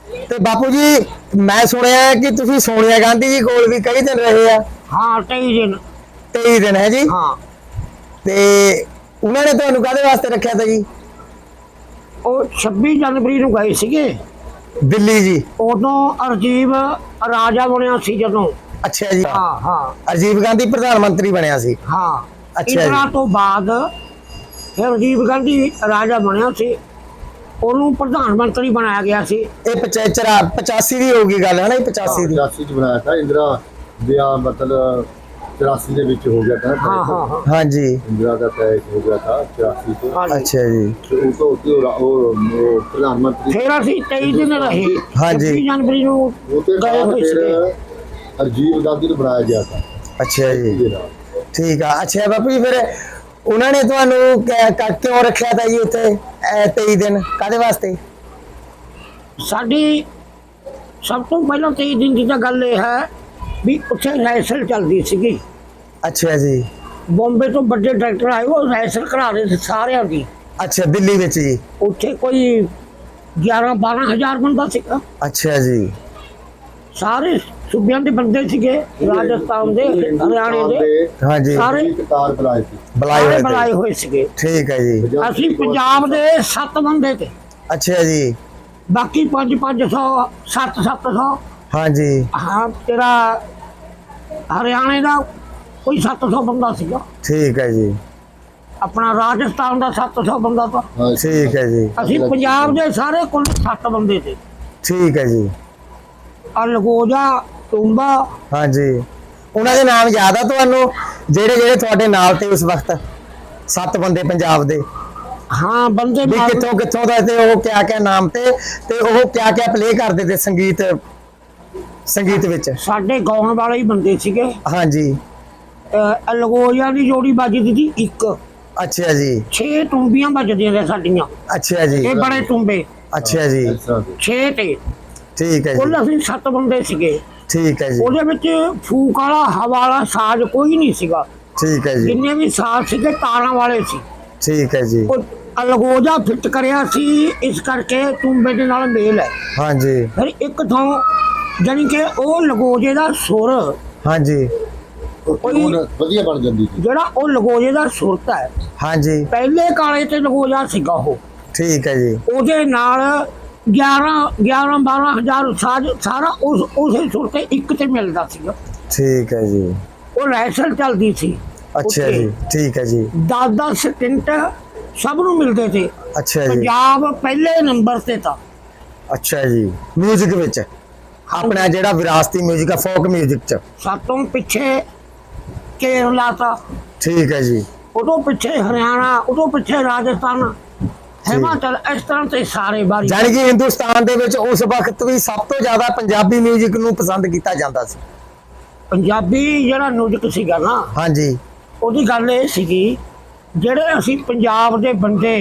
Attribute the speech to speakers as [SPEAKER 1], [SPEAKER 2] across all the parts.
[SPEAKER 1] ਤੇ ਬਾਪੂ ਜੀ ਮੈਂ ਸੁਣਿਆ ਕਿ ਤੁਸੀਂ ਸੋਨੀਆ ਗਾਂਧੀ ਜੀ ਕੋਲ ਵੀ ਕਈ ਦਿਨ ਰਹੇ ਆ।
[SPEAKER 2] ਹਾਂ 23 ਦਿਨ।
[SPEAKER 1] 23 ਦਿਨ ਹੈ ਜੀ।
[SPEAKER 2] ਹਾਂ
[SPEAKER 1] ਤੇ ਉਹਨਾਂ ਨੇ ਤੁਹਾਨੂੰ ਕਾਹਦੇ ਵਾਸਤੇ ਰੱਖਿਆ ਤਾ ਜੀ?
[SPEAKER 2] ਉਹ 26 ਜਨਵਰੀ ਨੂੰ ਗਏ ਸੀਗੇ
[SPEAKER 1] ਦਿੱਲੀ ਜੀ।
[SPEAKER 2] ਉਦੋਂ ਰਾਜੀਵ ਰਾਜਾ ਬਣਿਆ ਸੀ ਜਦੋਂ।
[SPEAKER 1] ਅੱਛਾ ਜੀ।
[SPEAKER 2] ਹਾਂ ਹਾਂ
[SPEAKER 1] ਰਾਜੀਵ ਗਾਂਧੀ ਪ੍ਰਧਾਨ ਮੰਤਰੀ ਬਣਿਆ ਸੀ।
[SPEAKER 2] ਹਾਂ।
[SPEAKER 1] ਅੱਛਾ
[SPEAKER 2] ਇਹਨਾਂ
[SPEAKER 1] ਜੀ।
[SPEAKER 2] ਤੋਂ ਬਾਅਦ ਫਿਰ ਰਾਜੀਵ ਗਾਂਧੀ ਰਾਜਾ ਬਣਿਆ ਸੀ, ਉਹਨੂੰ ਪ੍ਰਧਾਨ ਮੰਤਰੀ ਬਣਾਇਆ ਗਿਆ ਸੀ।
[SPEAKER 1] ਇਹ 85 ਦੀ ਹੋਊਗੀ ਗੱਲ ਹੈ ਨਾ? 85 ਦੀ।
[SPEAKER 3] 85 ਚ ਬਣਾਇਆ था इंदिरा ਵਿਆਹ ਮਤਲਬ 84 ਦੇ ਵਿੱਚ ਹੋ ਗਿਆ था।
[SPEAKER 2] हाँ हाँ हाँ
[SPEAKER 1] हाँ जी।
[SPEAKER 3] इंदिरा का तय हो गया था 84 को।
[SPEAKER 2] हाँ जी।
[SPEAKER 1] अच्छा जी।
[SPEAKER 3] तो वो प्रधानमंत्री
[SPEAKER 2] फिर ਅਸੀਂ 23 ਦਿਨ ਰਹੇ।
[SPEAKER 1] हाँ जी।
[SPEAKER 2] 26 ਜਨਵਰੀ ਨੂੰ
[SPEAKER 3] वो तो
[SPEAKER 2] गए हुए
[SPEAKER 3] फिर
[SPEAKER 2] ਸੀਗੇ।
[SPEAKER 3] राजीव गांधी ਨੂੰ ਬਣਾਇਆ ਗਿਆ था।
[SPEAKER 1] अच्छा जी।
[SPEAKER 3] ये रहा।
[SPEAKER 1] ठीक है। अच्छा बापू जी फिर उन्होंने ਤੁਹਾਨੂੰ ਕਿਉਂ ਰੱਖਿਆ ਤਾ ਜੀ ਉੱਥੇ 23 ਦਿਨ ਕਾਹਦੇ ਵਾਸਤੇ?
[SPEAKER 2] ਸਾਡੀ ਸਭ ਤੋਂ ਪਹਿਲਾਂ 23 ਦਿਨ ਦੀ ਤਾਂ ਗੱਲ ਇਹ ਹੈ ਵੀ ਉੱਥੇ ਰੈਸਲ ਚੱਲਦੀ ਸੀਗੀ।
[SPEAKER 1] ਅੱਛਾ ਜੀ।
[SPEAKER 2] ਬੰਬੇ ਤੋਂ ਵੱਡੇ ਡਾਇਰੈਕਟਰ ਆਏ, ਉਹ ਰੈਸਲ ਕਰਾ ਰਹੇ ਸੀ ਸਾਰਿਆਂ ਦੀ।
[SPEAKER 1] ਅੱਛਾ ਦਿੱਲੀ ਵਿੱਚ ਜੀ।
[SPEAKER 2] ਉੱਥੇ ਕੋਈ 11-12 ਹਜ਼ਾਰ ਬੰਦਾ ਸੀਗਾ।
[SPEAKER 1] ਅੱਛਾ ਜੀ।
[SPEAKER 2] ਸਾਰੇ ਸੂਬਿਆਂ ਦੇ ਬੰਦੇ ਸੀਗੇ, ਰਾਜਸਥਾਨ ਦੇ, ਹਰਿਆਣੇ ਦੇ,
[SPEAKER 1] हाँ जी।
[SPEAKER 2] ਸਾਰੇ
[SPEAKER 3] ਕਤਾਰ ਬੁਲਾਏ ਸੀ।
[SPEAKER 1] ਬੁਲਾਏ
[SPEAKER 2] ਸਾਰੇ
[SPEAKER 1] ਹੋਏ
[SPEAKER 2] ਬੁਲਾਏ
[SPEAKER 1] ਤੇ।
[SPEAKER 2] ਹੋਏ ਸੀਗੇ।
[SPEAKER 1] ਠੀਕ ਹੈ ਜੀ।
[SPEAKER 2] ਅਸੀਂ ਪੰਜਾਬ ਦੇ 7 ਬੰਦੇ ਤੇ,
[SPEAKER 1] ਅੱਛਾ ਜੀ।
[SPEAKER 2] ਬਾਕੀ 500 700
[SPEAKER 1] हाँ जी।
[SPEAKER 2] ਹਾਂ ਤੇਰਾ ਹਰਿਆਣੇ ਦਾ ਕੋਈ 700 ਬੰਦਾ ਸੀਗਾ,
[SPEAKER 1] ठीक है जी।
[SPEAKER 2] ਆਪਣਾ ਰਾਜਸਥਾਨ ਦਾ 700 ਬੰਦਾ ਤਾਂ।
[SPEAKER 1] ठीक है जी।
[SPEAKER 2] ਅਸੀਂ ਪੰਜਾਬ ਦੇ ਸਾਰੇ ਕੁੱਲ 7 ਬੰਦੇ ਤੇ।
[SPEAKER 1] ठीक है जी।
[SPEAKER 2] ਅਲਗੋਜਾ, ਟੁੰਬਾ,
[SPEAKER 1] हाँ जी। ਉਹਨਾਂ ਦੇ ਨਾਮ ਯਾਦ ਆ ਤੁਹਾਨੂੰ ਜਿਹੜੇ ਤੁਹਾਡੇ ਨਾਲ ਤੇ ਉਸ ਵਕਤ 7 ਬੰਦੇ ਪੰਜਾਬ ਦੇ?
[SPEAKER 2] ਹਾਂ ਬੰਦੇ
[SPEAKER 1] ਵੀ
[SPEAKER 2] ਨਾਲ-
[SPEAKER 1] ਕਿੱਥੋਂ ਦਾ ਤੇ ਉਹ ਕਿਆ ਨਾਮ ਤੇ ਉਹ ਕਿਆ ਪਲੇ ਕਰਦੇ ਤੇ ਸੰਗੀਤ ਵਿੱਚ?
[SPEAKER 2] ਸਾਡੇ ਗਾਉਣ ਵਾਲੇ ਹੀ ਬੰਦੇ ਸੀਗੇ।
[SPEAKER 1] हाँ जी।
[SPEAKER 2] ਅਲਗੋਜਾ ਦੀ ਜੋੜੀ ਵੱਜਦੀ ਸੀ 1।
[SPEAKER 1] अच्छा जी।
[SPEAKER 2] 6 ਟੁੰਬੀਆਂ ਵੱਜਦੀਆਂ ਨੇ ਸਾਡੀਆਂ।
[SPEAKER 1] अच्छा जी।
[SPEAKER 2] ਇਹ ਬੜੇ ਟੁੰਬੇ
[SPEAKER 1] अच्छा जी।
[SPEAKER 2] 6 ਤੇ।
[SPEAKER 1] ठीक है
[SPEAKER 2] ਕੁੱਲ
[SPEAKER 1] जी।
[SPEAKER 2] ਅਸੀਂ 7 ਬੰਦੇ ਸੀਗੇ।
[SPEAKER 1] ठीक है जी।
[SPEAKER 2] ਉਹਦੇ ਵਿੱਚ ਫੂਕ ਵਾਲਾ, ਹਵਾ ਵਾਲਾ ਸਾਜ਼ ਕੋਈ ਨਹੀਂ ਸੀਗਾ।
[SPEAKER 1] ठीक है जी।
[SPEAKER 2] ਜਿੰਨੇ ਵੀ ਸਾਜ਼ ਸੀਗੇ ਤਾਰਾਂ ਵਾਲੇ ਸੀ।
[SPEAKER 1] ठीक है जी।
[SPEAKER 2] ਉਹ ਅਲਗੋਜਾ ਫਿੱਟ ਕਰਿਆ ਸੀ, ਇਸ ਕਰਕੇ ਟੁੰਬੇ ਦੇ ਨਾਲ ਮੇਲ ਹੈ।
[SPEAKER 1] हाँ जी।
[SPEAKER 2] ਫਿਰ ਇੱਕ ਥਾਂ ਜਾਣੀ ਕਿ ਉਹ ਲਗੋਜੇ ਦਾ ਸੁਰ,
[SPEAKER 1] हाँ जी।
[SPEAKER 2] ਕੋਈ
[SPEAKER 3] ਵਧੀਆ ਬਣ ਜਾਂਦੀ ਸੀ।
[SPEAKER 2] ਜਿਹੜਾ ਉਹ ਲਗੋਜੇ ਦਾ ਸੁਰਤ ਹੈ,
[SPEAKER 1] हाँ जी।
[SPEAKER 2] ਪਹਿਲੇ ਕਾਲੇ ਤੇ ਲਗੋਜਾ ਸੀਗਾ ਉਹ।
[SPEAKER 1] ठीक है जी।
[SPEAKER 2] ਉਹਦੇ ਨਾਲ 11-12 ਹਜ਼ਾਰ ਸਾਜ਼ ਸਾਰਾ ਉਸੇ ਸੁਰ ਤੇ ਇੱਕ ਤੇ ਮਿਲਦਾ ਸੀਗਾ।
[SPEAKER 1] ठीक है जी।
[SPEAKER 2] ਉਹ ਰੈਸਲ ਚੱਲਦੀ ਸੀ।
[SPEAKER 1] अच्छा जी। ठीक है जी।
[SPEAKER 2] 10-10 ਸਕਿੰਟ ਸਭ ਨੂੰ ਮਿਲਦੇ ਤੇ।
[SPEAKER 1] अच्छा जी।
[SPEAKER 2] ਪੰਜਾਬ ਪਹਿਲੇ ਨੰਬਰ ਤੇ ਤਾਂ।
[SPEAKER 1] अच्छा जी। म्यूजिक ਵਿੱਚ ਆਪਣਾ ਜਿਹੜਾ ਵਿਰਾਸਤੀ म्यूजिक ਹੈ, ਫੋਕ म्यूजिक ਚ।
[SPEAKER 2] ਸਾਤੋਂ ਪਿੱਛੇ ਕੇਰਲਾ ਤਾਂ,
[SPEAKER 1] ठीक है जी।
[SPEAKER 2] ਉਦੋਂ ਪਿੱਛੇ ਹਰਿਆਣਾ, ਉਦੋਂ ਪਿੱਛੇ ਰਾਜਸਥਾਨ, ਹਿਮਾਚਲ, ਇਸ ਤਰ੍ਹਾਂ ਤੇ ਸਾਰੇ ਬਾਰੀ।
[SPEAKER 1] ਜਾਣੀ ਕਿ ਹਿੰਦੁਸਤਾਨ ਦੇ ਵਿੱਚ ਉਸ ਵਕਤ ਵੀ ਸਭ ਤੋਂ ਜ਼ਿਆਦਾ ਪੰਜਾਬੀ ਮਿਊਜ਼ਿਕ ਨੂੰ ਪਸੰਦ ਕੀਤਾ ਜਾਂਦਾ ਸੀ।
[SPEAKER 2] ਪੰਜਾਬੀ ਜਿਹੜਾ ਮਿਊਜ਼ਿਕ ਸੀਗਾ ਨਾ,
[SPEAKER 1] ਹਾਂਜੀ।
[SPEAKER 2] ਉਹਦੀ ਗੱਲ ਇਹ ਸੀਗੀ, ਜਿਹੜੇ ਅਸੀਂ ਪੰਜਾਬ ਦੇ ਬੰਦੇ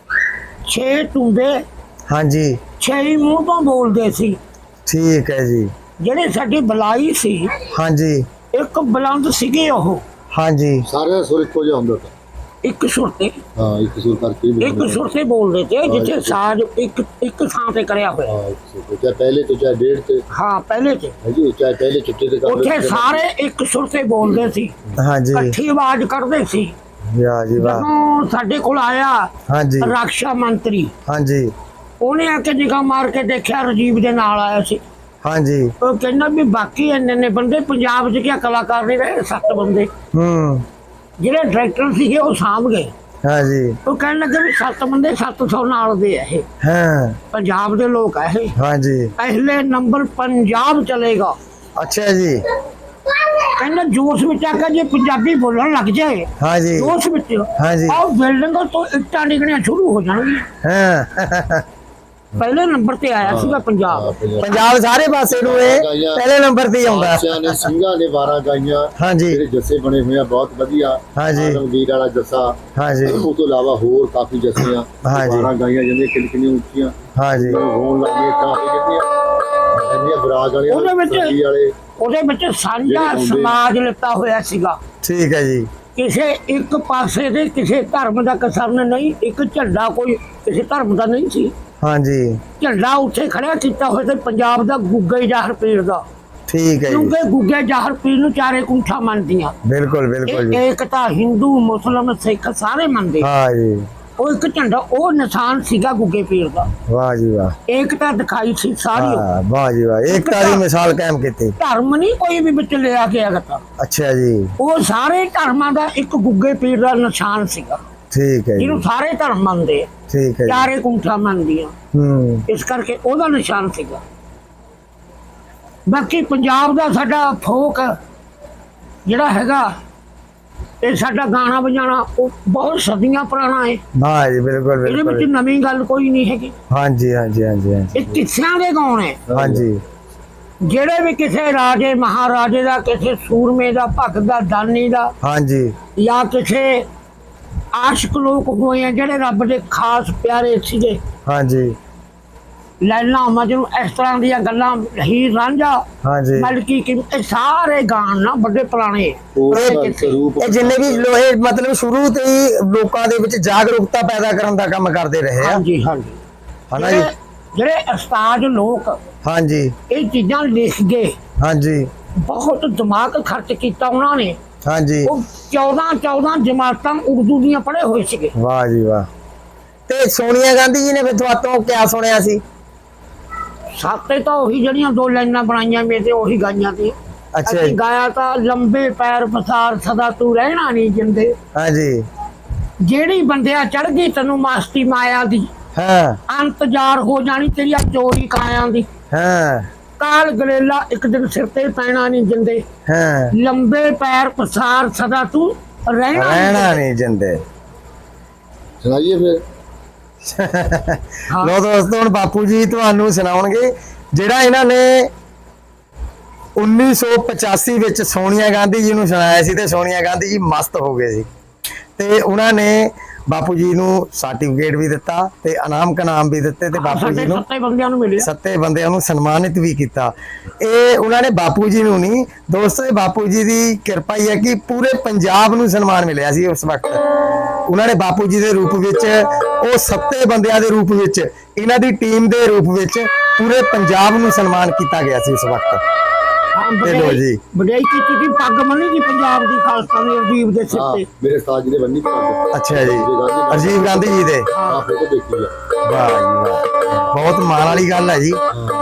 [SPEAKER 2] 6 ਟੁੰਬੇ,
[SPEAKER 1] ਹਾਂਜੀ।
[SPEAKER 2] 6 ਹੀ ਮੂੰਹ ਤੋਂ ਬੋਲਦੇ ਸੀ।
[SPEAKER 1] ਠੀਕ ਹੈ ਜੀ।
[SPEAKER 2] ਜਿਹੜੇ ਸਾਡੀ ਬੁਲਾਈ ਸੀ,
[SPEAKER 1] ਹਾਂਜੀ।
[SPEAKER 2] ਇੱਕ ਬੁਲੰਦ ਸੀਗੇ ਉਹ,
[SPEAKER 1] ਹਾਂਜੀ।
[SPEAKER 3] ਸਾਰਿਆਂ ਦਾ ਸੁਰ ਇੱਕੋ ਜਿਹਾ ਹੁੰਦਾ ਸੀ।
[SPEAKER 2] ਇੱਕ ਸੁਰ ਤੇ,
[SPEAKER 3] ਹਾਂ ਇੱਕ ਸੁਰ ਕਰਕੇ
[SPEAKER 2] ਇੱਕ ਸੁਰ ਤੇ ਬੋਲਦੇ ਤੇ, ਜਿੱਥੇ ਸਾਜ਼ ਇੱਕ ਥਾਂ ਤੇ ਕਰਿਆ ਹੋਇਆ।
[SPEAKER 3] ਹਾਂ ਇੱਕ ਸੁਰ, ਚਾਹੇ ਪਹਿਲੇ ਤੇ ਚਾਹੇ ਡੇਢ ਤੇ।
[SPEAKER 2] ਹਾਂ ਪਹਿਲੇ ਤੇ
[SPEAKER 3] ਹੈ ਜੀ, ਚਾਹੇ ਪਹਿਲੇ ਚਿੱਟੇ ਤੇ ਕਰ
[SPEAKER 2] ਉੱਥੇ ਸਾਰੇ ਇੱਕ ਸੁਰ ਤੇ ਬੋਲਦੇ ਸੀ,
[SPEAKER 1] ਹਾਂਜੀ।
[SPEAKER 2] ਇਕੱਠੀ ਆਵਾਜ਼ ਕੱਢਦੇ ਸੀ।
[SPEAKER 1] ਵਾਹ ਜੀ ਵਾਹ।
[SPEAKER 2] ਜਦੋਂ ਸਾਡੇ ਕੋਲ ਆਇਆ
[SPEAKER 1] ਹਾਂਜੀ।
[SPEAKER 2] ਰੱਖਿਆ ਮੰਤਰੀ,
[SPEAKER 1] ਹਾਂਜੀ।
[SPEAKER 2] ਉਹਨੇ ਆ ਕੇ ਨਿਗਾਹ ਮਾਰ ਕੇ ਦੇਖਿਆ, ਰਾਜੀਵ ਦੇ ਨਾਲ ਆਇਆ ਸੀ।
[SPEAKER 1] ਹਾਂਜੀ।
[SPEAKER 2] ਉਹ ਕਹਿੰਦਾ ਵੀ ਬਾਕੀ ਇੰਨੇ ਬੰਦੇ ਪੰਜਾਬ 'ਚ ਕਿਆ ਕਲਾਕਾਰ ਨਹੀਂ ਰਹੇ? 7 ਬੰਦੇ। ਜਿਹੜੇ ਡਾਇਰੈਕਟਰ ਸੀਗੇ ਉਹ ਸਾਂਭ ਗਏ।
[SPEAKER 1] ਹਾਂਜੀ।
[SPEAKER 2] ਉਹ ਕਹਿਣ ਲੱਗੇ ਵੀ 7 ਬੰਦੇ 700 ਨਾਲ ਦੇ ਆ ਇਹ,
[SPEAKER 1] ਹਾਂ।
[SPEAKER 2] ਪੰਜਾਬ ਦੇ ਲੋਕ ਆ ਇਹ,
[SPEAKER 1] ਹਾਂਜੀ।
[SPEAKER 2] ਪਹਿਲੇ ਨੰਬਰ ਪੰਜਾਬ ਚਲੇਗਾ।
[SPEAKER 1] ਅੱਛਾ ਜੀ।
[SPEAKER 2] ਕਹਿੰਦਾ ਜੋਸ਼ ਵਿੱਚ ਆ ਕੇ ਜੇ ਪੰਜਾਬੀ ਬੋਲਣ ਲੱਗ ਜਾਏ,
[SPEAKER 1] ਹਾਂਜੀ।
[SPEAKER 2] ਜੋਸ਼ ਵਿੱਚ,
[SPEAKER 1] ਹਾਂਜੀ।
[SPEAKER 2] ਉਹ ਬਿਲਡਿੰਗਾਂ ਤੋਂ ਇੱਟਾਂ ਡਿੱਗਣੀਆਂ ਸ਼ੁਰੂ ਹੋ ਜਾਣਗੀਆਂ।
[SPEAKER 1] ਹਾਂ।
[SPEAKER 2] ਪਹਿਲੇ ਨੰਬਰ ਤੇ ਆਇਆ ਸੀਗਾ ਪੰਜਾਬ।
[SPEAKER 1] ਪੰਜਾਬ ਸਾਰੇ ਪਾਸੇ ਨੂੰ ਇਹ ਪਹਿਲੇ ਨੰਬਰ ਤੇ ਹੀ ਆਉਂਦਾ।
[SPEAKER 3] ਬਾਦਸ਼ਾਹ ਨੇ ਸਿੰਘਾਂ ਨੇ 12 ਗਾਈਆਂ।
[SPEAKER 1] ਹਾਂਜੀ।
[SPEAKER 3] ਜਿਹੜੇ ਜੱਸੇ ਬਣੇ ਹੋਏ ਆ ਬਹੁਤ ਵਧੀਆ।
[SPEAKER 1] ਹਾਂਜੀ।
[SPEAKER 3] ਆਲਮਗੀਰ ਵਾਲਾ ਜੱਸਾ।
[SPEAKER 1] ਹਾਂਜੀ।
[SPEAKER 3] ਉਸ ਤੋਂ ਇਲਾਵਾ ਹੋਰ ਕਾਫੀ ਜੱਸੇ ਆ।
[SPEAKER 1] ਹਾਂਜੀ।
[SPEAKER 3] 12 ਗਾਈਆਂ ਜਿਹੜੀਆਂ ਕਿੰਨੀਆਂ ਉੱਚੀਆਂ।
[SPEAKER 1] ਹਾਂਜੀ।
[SPEAKER 3] ਹੋਣ ਲੱਗੇ ਤਾਂ ਜਿਹੜੀਆਂ ਬਰਾਗ
[SPEAKER 2] ਉਹਦੇ
[SPEAKER 3] ਵਾਲੇ
[SPEAKER 2] ਵਿੱਚ ਸਾਂਝਾ ਸਮਾਜ ਲਿੱਤਾ ਹੋਇਆ ਸੀਗਾ।
[SPEAKER 1] ਠੀਕ ਹੈ ਜੀ।
[SPEAKER 2] ਕਿਸੇ ਇੱਕ ਪਾਸੇ ਦੇ ਕਿਸੇ ਧਰਮ ਦਾ ਕਸਮ ਨਹੀਂ, ਇੱਕ ਝੰਡਾ ਕੋਈ ਕਿਸੇ ਧਰਮ ਦਾ ਨਹੀਂ ਸੀ।
[SPEAKER 1] ਹਾਂਜੀ
[SPEAKER 2] ਝੰਡਾ ਉੱਥੇ ਖੜਿਆ ਕੀਤਾ ਹੋਇਆ ਤੇ ਪੰਜਾਬ ਦਾ ਗੁੱਗੇ ਜ਼ਾਹਰ ਪੀਰ ਦਾ,
[SPEAKER 1] ਠੀਕ ਹੈ ਜੀ,
[SPEAKER 2] ਕਿਉਂਕਿ ਗੁੱਗੇ ਜ਼ਾਹਰ ਪੀਰ ਨੂੰ ਚਾਰੇ ਕੁੰਠਾ ਮੰਨਦੀਆਂ।
[SPEAKER 1] ਬਿਲਕੁਲ ਬਿਲਕੁਲ ਜੀ,
[SPEAKER 2] ਇੱਕ ਤਾਂ ਹਿੰਦੂ ਮੁਸਲਮ ਸਿੱਖ ਸਾਰੇ ਮੰਨਦੇ।
[SPEAKER 1] ਹਾਂ ਜੀ,
[SPEAKER 2] ਉਹ ਇੱਕ ਝੰਡਾ ਉਹ ਨਿਸ਼ਾਨ ਸੀਗਾ ਗੁੱਗੇ ਪੀਰ ਦਾ।
[SPEAKER 1] ਵਾਹ ਜੀ ਵਾਹ,
[SPEAKER 2] ਏਕਤਾ ਦਿਖਾਈ ਸੀ ਸਾਰੀ।
[SPEAKER 1] ਹਾਂ ਵਾਹ ਜੀ ਵਾਹ, ਏਕਤਾ ਦੀ ਮਿਸਾਲ ਕਾਇਮ ਕੀਤੀ।
[SPEAKER 2] ਧਰਮ ਨਹੀਂ ਕੋਈ ਵੀ ਵਿੱਚ ਲਿਆ ਕੇ ਆਗਤਾ,
[SPEAKER 1] ਅੱਛਾ ਜੀ,
[SPEAKER 2] ਉਹ ਸਾਰੇ ਧਰਮਾਂ ਦਾ ਇੱਕ ਗੁੱਗੇ ਪੀਰ ਦਾ ਨਿਸ਼ਾਨ ਸੀਗਾ,
[SPEAKER 1] ਠੀਕ ਹੈ ਜੀ,
[SPEAKER 2] ਜਿਹਨੂੰ ਸਾਰੇ ਧਰਮ ਮੰਨਦੇ ਆ,
[SPEAKER 1] ਠੀਕ ਹੈ ਜੀ,
[SPEAKER 2] ਚਾਰੇ ਕੁੰਠਾ ਮੰਨਦੀਆਂ, ਇਸ ਕਰਕੇ ਉਹਦਾ ਨਿਸ਼ਾਨ ਸੀਗਾ। ਬਾਕੀ ਪੰਜਾਬ ਦਾ ਸਾਡਾ ਫੋਕ ਜਿਹੜਾ ਹੈਗਾ, ਇਹ ਸਾਡਾ ਗਾਣਾ ਵਜਾਣਾ ਉਹ ਬਹੁਤ ਸਦੀਆਂ ਪੁਰਾਣਾ ਹੈ।
[SPEAKER 1] ਵਾਹ ਜੀ, ਬਿਲਕੁਲ
[SPEAKER 2] ਇਹਦੇ ਵਿੱਚ
[SPEAKER 1] ਬਿਲਕੁਲ,
[SPEAKER 2] ਨਵੀਂ ਗੱਲ ਕੋਈ ਨਹੀਂ ਹੈਗੀ।
[SPEAKER 1] ਹਾਂਜੀ ਹਾਂਜੀ ਹਾਂਜੀ ਹਾਂਜੀ,
[SPEAKER 2] ਇਹ ਕਿੱਸਿਆਂ ਦੇ ਗਾਉਣ ਹੈ।
[SPEAKER 1] ਹਾਂਜੀ
[SPEAKER 2] ਜਿਹੜੇ ਵੀ ਕਿਸੇ ਰਾਜੇ ਮਹਾਰਾਜੇ ਦਾ, ਕਿਸੇ ਸੂਰਮੇ ਦਾ, ਭਗਤ ਦਾ, ਦਾਨੀ ਦਾ,
[SPEAKER 1] ਹਾਂਜੀ
[SPEAKER 2] ਜਾਂ ਕਿਸੇ ਆਸ਼ਿਕ ਲੋਕ ਹੋਏ ਆ ਜਿਹੜੇ ਰੱਬ ਦੇ ਖਾਸ ਪਿਆਰੇ ਸੀਗੇ,
[SPEAKER 1] ਹਾਂਜੀ
[SPEAKER 2] ਲੈਲਾ ਮਜਨੂੰ, ਇਸ ਤਰ੍ਹਾਂ ਦੀਆਂ ਗੱਲਾਂ, ਹੀਰ ਰਾਂਝਾ,
[SPEAKER 1] ਹਾਂਜੀ,
[SPEAKER 2] ਮਲਕੀ ਕੀ, ਇਹ ਸਾਰੇ ਗਾਣ ਨਾ ਬੜੇ ਪੁਰਾਣੇ।
[SPEAKER 1] ਇਹ ਜਿੰਨੇ ਵੀ ਲੋਹੇ ਮਤਲਬ ਸ਼ੁਰੂ ਤੋਂ ਹੀ ਲੋਕਾਂ ਦੇ ਵਿੱਚ ਜਾਗਰੂਕਤਾ ਪੈਦਾ ਕਰਨ ਦਾ ਕੰਮ ਕਰਦੇ ਰਹੇ ਆ,
[SPEAKER 2] ਹਾਂਜੀ ਹਾਂਜੀ,
[SPEAKER 1] ਹਨਾ ਜੀ,
[SPEAKER 2] ਜਿਹੜੇ ਉਸਤਾਦ ਲੋਕ
[SPEAKER 1] ਹਾਂਜੀ
[SPEAKER 2] ਇਹ ਚੀਜ਼ਾਂ ਲਿਖ ਗਏ,
[SPEAKER 1] ਹਾਂਜੀ
[SPEAKER 2] ਬਹੁਤ ਦਿਮਾਗ ਖਰਚ ਕੀਤਾ ਉਹਨਾਂ ਨੇ।
[SPEAKER 1] ਹਾਂਜੀ,
[SPEAKER 2] ਉਹ 14 ਜਮਾਤਾਂ ਉਰਦੂ ਦੀਆਂ ਪੜ੍ਹੇ ਹੋਏ ਸੀਗੇ।
[SPEAKER 1] ਵਾਹ ਜੀ ਵਾਹ। ਤੇ ਸੋਨੀਆ ਗਾਂਧੀ ਜੀ ਨੇ ਫਿਰ ਤੁਹਾਤੋਂ ਕਿਆ ਸੁਣਿਆ ਸੀ?
[SPEAKER 2] ਸਾਤੇ ਤਾਂ ਉਹੀ ਜਿਹੜੀਆਂ ਦੋ ਲਾਈਨਾਂ ਬਣਾਈਆਂ ਮੇਰੇ ਤੇ ਉਹੀ ਗਾਈਆਂ ਸੀ।
[SPEAKER 1] ਅੱਛਾ
[SPEAKER 2] ਅਸੀਂ
[SPEAKER 1] ਜੀ,
[SPEAKER 2] ਗਾਇਆ ਤਾਂ ਲੰਬੇ ਪੈਰ ਪਸਾਰ ਸਦਾ ਤੂੰ ਰਹਿਣਾ ਨਹੀਂ ਜਿੰਦੇ,
[SPEAKER 1] ਹਾਂਜੀ
[SPEAKER 2] ਜਿਹੜੀ ਬੰਦਿਆ ਚੜ ਗਈ ਤੈਨੂੰ ਮਸਤੀ ਮਾਇਆ ਦੀ,
[SPEAKER 1] ਹਾਂ
[SPEAKER 2] ਅੰਤਜ਼ਾਰ ਹੋ ਜਾਣੀ ਤੇਰੀ ਚੋਰੀ ਕਾਇਆਂ ਦੀ,
[SPEAKER 1] ਹਾਂ
[SPEAKER 2] ਕਾਲ ਗਲੇਲਾ ਇੱਕ ਦਿਨ ਸਿਰ ਤੇ ਪੈਣਾ ਨਹੀਂ ਜਿੰਦੇ,
[SPEAKER 1] ਹਾਂ,
[SPEAKER 2] ਲੰਬੇ ਪੈਰ ਪਸਾਰ ਸਦਾ ਤੂੰ
[SPEAKER 1] ਰਹਿਣਾ ਨਹੀਂ ਜਿੰਦੇ।
[SPEAKER 3] ਸੁਣਾਈਏ ਫਿਰ।
[SPEAKER 2] ਹਾਂ।
[SPEAKER 1] ਲੋ ਦੋਸਤੋ, ਹੁਣ ਬਾਪੂ ਜੀ ਤੁਹਾਨੂੰ ਸੁਣਾਉਣਗੇ ਜਿਹੜਾ ਇਹਨਾਂ ਨੇ 1985 ਵਿੱਚ ਸੋਨੀਆ ਗਾਂਧੀ ਜੀ ਨੂੰ ਸੁਣਾਇਆ ਸੀ, ਤੇ ਸੋਨੀਆ ਗਾਂਧੀ ਜੀ ਮਸਤ ਹੋ ਗਏ ਸੀ, ਤੇ ਉਹਨਾਂ ਨੇ ਬਾਪੂ ਜੀ ਨੂੰ ਸਰਟੀਫਿਕੇਟ ਵੀ ਦਿੱਤਾ ਤੇ ਇਨਾਮ ਕਨਾਮ ਵੀ ਦਿੱਤੇ, ਤੇ ਬਾਪੂ ਜੀ ਨੂੰ
[SPEAKER 2] 7 ਬੰਦਿਆਂ ਨੂੰ ਮਿਲਿਆ।
[SPEAKER 1] 7 ਬੰਦਿਆਂ ਨੂੰ ਸਨਮਾਨਿਤ ਵੀ ਕੀਤਾ। ਇਹ ਉਹਨਾਂ ਨੇ ਬਾਪੂ ਜੀ ਨੂੰ ਨਹੀਂ ਦੋਸਤੋ, ਇਹ ਬਾਪੂ ਜੀ ਦੀ ਕਿਰਪਾ ਹੀ ਹੈ ਕਿ ਪੂਰੇ ਪੰਜਾਬ ਨੂੰ ਸਨਮਾਨ ਮਿਲਿਆ ਸੀ ਉਸ ਵਕਤ। ਉਹਨਾਂ ਨੇ ਬਾਪੂ ਜੀ ਦੇ ਰੂਪ ਵਿੱਚ, ਉਹ 7 ਬੰਦਿਆਂ ਦੇ ਰੂਪ ਵਿੱਚ, ਇਹਨਾਂ ਦੀ ਟੀਮ ਦੇ ਰੂਪ ਵਿੱਚ ਪੂਰੇ ਪੰਜਾਬ ਨੂੰ ਸਨਮਾਨ ਕੀਤਾ ਗਿਆ ਸੀ ਉਸ ਵਕਤ। ਤੇ ਲੋ ਜੀ,
[SPEAKER 2] ਵਡਿਆਈ ਕੀਤੀ ਸੀ, ਪੱਗ ਬੰਨੀ ਸੀ ਪੰਜਾਬ ਦੀ ਖਾਲਸਾ ਦੀ ਅਜੀਬ ਦੇ ਸਿਰ
[SPEAKER 3] ਹਾਂ,
[SPEAKER 2] ਤੇ।
[SPEAKER 3] ਮੇਰੇ ਉਸਤਾਦ ਜੀ ਨੇ ਬੰਨੀ ਪੱਗ।
[SPEAKER 1] ਅੱਛਾ ਜੀ, ਰਾਜੀਵ ਗਾਂਧੀ ਜੀ ਦੇ।
[SPEAKER 3] ਆਹ ਫੋਟੋ ਦੇਖੀ ਆ।
[SPEAKER 1] ਵਾਹ ਜੀ ਵਾਹ, ਬਹੁਤ ਮਾਣ ਵਾਲੀ ਗੱਲ ਹੈ ਜੀ।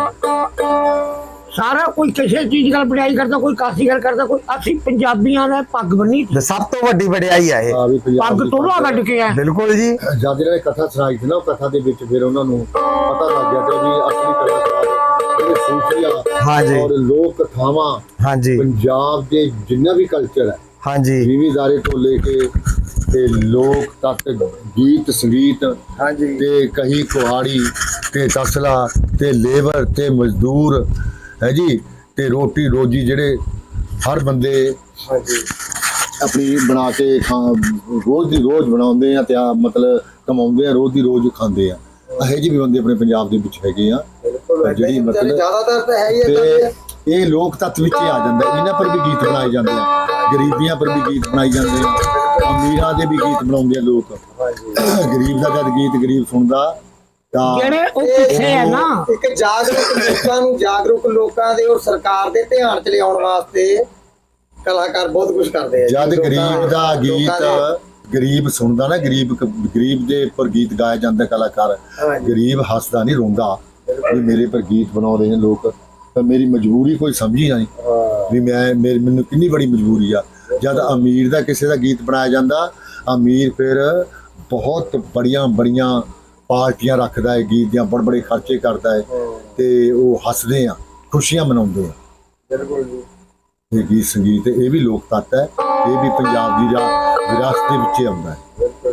[SPEAKER 2] ਸਾਰਾ ਕੋਈ ਕਿਸੇ ਚੀਜ਼ ਨਾਲ ਵਡਿਆਈ ਕਰਦਾ, ਕੋਈ ਕਾਸੀ ਗੱਲ ਕਰਦਾ, ਕੋਈ ਅਸੀਂ ਪੰਜਾਬੀਆਂ ਨੇ ਪੱਗ ਬੰਨੀ ਸੀ।
[SPEAKER 1] ਤੇ ਸਭ ਤੋਂ ਵੱਡੀ ਵਡਿਆਈ ਆ ਇਹ।
[SPEAKER 3] ਹਾਂ ਵੀ ਪੰਜਾਬ
[SPEAKER 2] ਪੱਗ
[SPEAKER 3] ਦੀ
[SPEAKER 2] ਤੋੜਾ ਕੱਢ ਕੇ ਆ।
[SPEAKER 1] ਬਿਲਕੁਲ ਜੀ,
[SPEAKER 3] ਜਦ ਇਹਨਾਂ ਨੇ ਕਥਾ ਸੁਣਾਈ ਸੀ ਨਾ, ਉਹ ਕਥਾ ਦੇ ਵਿੱਚ ਫਿਰ ਉਹਨਾਂ ਨੂੰ ਪਤਾ ਲੱਗ ਗਿਆ ਕਿ ਵੀ ਅਸਲੀ ਕਲਾਕਾਰ ਜਿਹੜੇ ਸੂਫੀਆ
[SPEAKER 1] ਹਾਂਜੀ।
[SPEAKER 3] ਔਰ ਲੋਕ ਕਥਾਵਾਂ
[SPEAKER 1] ਹਾਂਜੀ
[SPEAKER 3] ਪੰਜਾਬ ਦੇ ਜਿੰਨਾ ਵੀ ਕਲਚਰ ਹੈ,
[SPEAKER 1] ਹਾਂਜੀ
[SPEAKER 3] ਜ਼ਿਮੀਦਾਰੇ ਤੋਂ ਲੈ ਕੇ ਤੇ ਲੋਕ ਤੱਕ, ਗੀਤ ਸੰਗੀਤ,
[SPEAKER 1] ਹਾਂਜੀ
[SPEAKER 3] ਤੇ ਕਹੀ ਕੁਹਾੜੀ ਤੇ ਤਸਲਾ ਤੇ ਲੇਬਰ ਤੇ ਮਜ਼ਦੂਰ ਹੈ ਜੀ, ਤੇ ਰੋਟੀ ਰੋਜੀ ਜਿਹੜੇ ਹਰ ਬੰਦੇ
[SPEAKER 1] ਹਾਂਜੀ
[SPEAKER 3] ਆਪਣੀ ਬਣਾ ਕੇ ਰੋਜ਼ ਦੀ ਰੋਜ਼ ਬਣਾਉਂਦੇ ਆ, ਤੇ ਮਤਲਬ ਕਮਾਉਂਦੇ ਆ, ਰੋਜ਼ ਦੀ ਰੋਜ਼ ਖਾਂਦੇ ਆ। ਇਹੋ ਜਿਹੇ ਵੀ ਬੰਦੇ ਆਪਣੇ ਪੰਜਾਬ ਦੇ ਵਿੱਚ ਹੈਗੇ ਆ, ਜਿਹੜੀ ਮਤਲਬ
[SPEAKER 1] ਜ਼ਿਆਦਾਤਰ ਤਾਂ ਹੈ ਹੀ
[SPEAKER 3] ਤੇ ਇਹ ਲੋਕ ਤੱਤ ਵਿੱਚ ਹੀ ਆ ਜਾਂਦਾ। ਇਹਨਾਂ ਪਰ ਵੀ ਗੀਤ ਬਣਾਏ ਜਾਂਦੇ ਆ, ਗਰੀਬੀਆਂ ਪਰ ਵੀ ਗੀਤ ਬਣਾਏ ਜਾਂਦੇ ਆ, ਅਮੀਰਾਂ ਦੇ ਵੀ ਗੀਤ ਬਣਾਉਂਦੇ ਆ ਲੋਕ। ਗਰੀਬ ਦਾ ਜਦ ਗੀਤ ਗਰੀਬ ਸੁਣਦਾ ਤਾਂ
[SPEAKER 2] ਜਿਹੜੇ ਉਹ ਪਿੱਛੇ ਹੈ ਨਾ,
[SPEAKER 1] ਇੱਕ ਜਾਗਰੂਕ ਲੋਕਾਂ ਦੇ ਔਰ ਸਰਕਾਰ ਦੇ ਧਿਆਨ ਚ ਲਿਆਉਣ ਵਾਸਤੇ ਕਲਾਕਾਰ ਬਹੁਤ ਕੁਝ ਕਰਦੇ ਆ।
[SPEAKER 3] ਜਦ ਗਰੀਬ ਦਾ ਗੀਤ ਗਰੀਬ ਸੁਣਦਾ ਨਾ, ਗਰੀਬ ਦੇ ਉੱਪਰ ਗੀਤ ਗਾਇਆ ਜਾਂਦਾ, ਕਲਾਕਾਰ ਗਰੀਬ ਹੱਸਦਾ ਨਹੀਂ, ਰੋਂਦਾ ਵੀ ਮੇਰੇ ਪਰ ਗੀਤ ਬਣਾਉਂਦੇ ਨੇ ਲੋਕ, ਤਾਂ ਮੇਰੀ ਮਜਬੂਰੀ ਕੋਈ ਸਮਝੀ ਨਹੀਂ ਵੀ ਮੈਨੂੰ ਕਿੰਨੀ ਬੜੀ ਮਜਬੂਰੀ ਆ। ਜਦ ਅਮੀਰ ਦਾ ਕਿਸੇ ਦਾ ਗੀਤ ਬਣਾਇਆ ਜਾਂਦਾ, ਅਮੀਰ ਫਿਰ ਬਹੁਤ ਬੜੀਆਂ ਪਾਰਟੀਆਂ ਰੱਖਦਾ ਹੈ, ਗੀਤ ਦੀਆਂ ਬੜੇ ਖਰਚੇ ਕਰਦਾ ਹੈ, ਤੇ ਉਹ ਹੱਸਦੇ ਆ, ਖੁਸ਼ੀਆਂ ਮਨਾਉਂਦੇ ਆ।
[SPEAKER 1] ਬਿਲਕੁਲ ਜੀ,
[SPEAKER 3] ਇਹ ਗੀਤ ਸੰਗੀਤ ਇਹ ਵੀ ਲੋਕ ਤੱਤ ਹੈ, ਇਹ ਵੀ ਪੰਜਾਬ ਦੀ ਵਿਰਾਸਤ ਦੇ ਵਿੱਚ ਆਉਂਦਾ ਹੈ।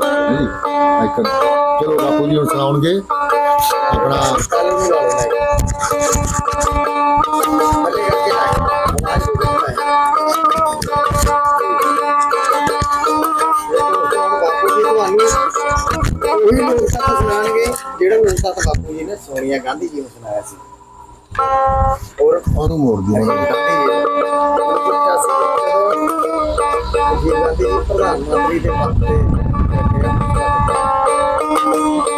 [SPEAKER 3] ਚਲੋ ਬਾਪੂ ਜੀ ਹੁਣ ਸੁਣਾਉਣਗੇ ਆਪਣਾ
[SPEAKER 1] ਉਹੀ ਲੋਕ ਤੱਤ ਸੁਣਾਉਣਗੇ ਜਿਹੜਾ ਲੋਕ ਤੱਤ ਬਾਪੂ ਜੀ ਨੇ ਸੋਨੀਆ ਗਾਂਧੀ ਜੀ ਨੂੰ ਸੁਣਾਇਆ ਸੀ। ਔਰ
[SPEAKER 3] ਉਹਨੂੰ ਮੋੜ ਦਿਓ।
[SPEAKER 1] ਰਾਜੀਵ ਗਾਂਧੀ ਜੀ ਪ੍ਰਧਾਨ ਮੰਤਰੀ ਦੇ ਪਦ ਤੇ ਬੈਠੇ ਆ।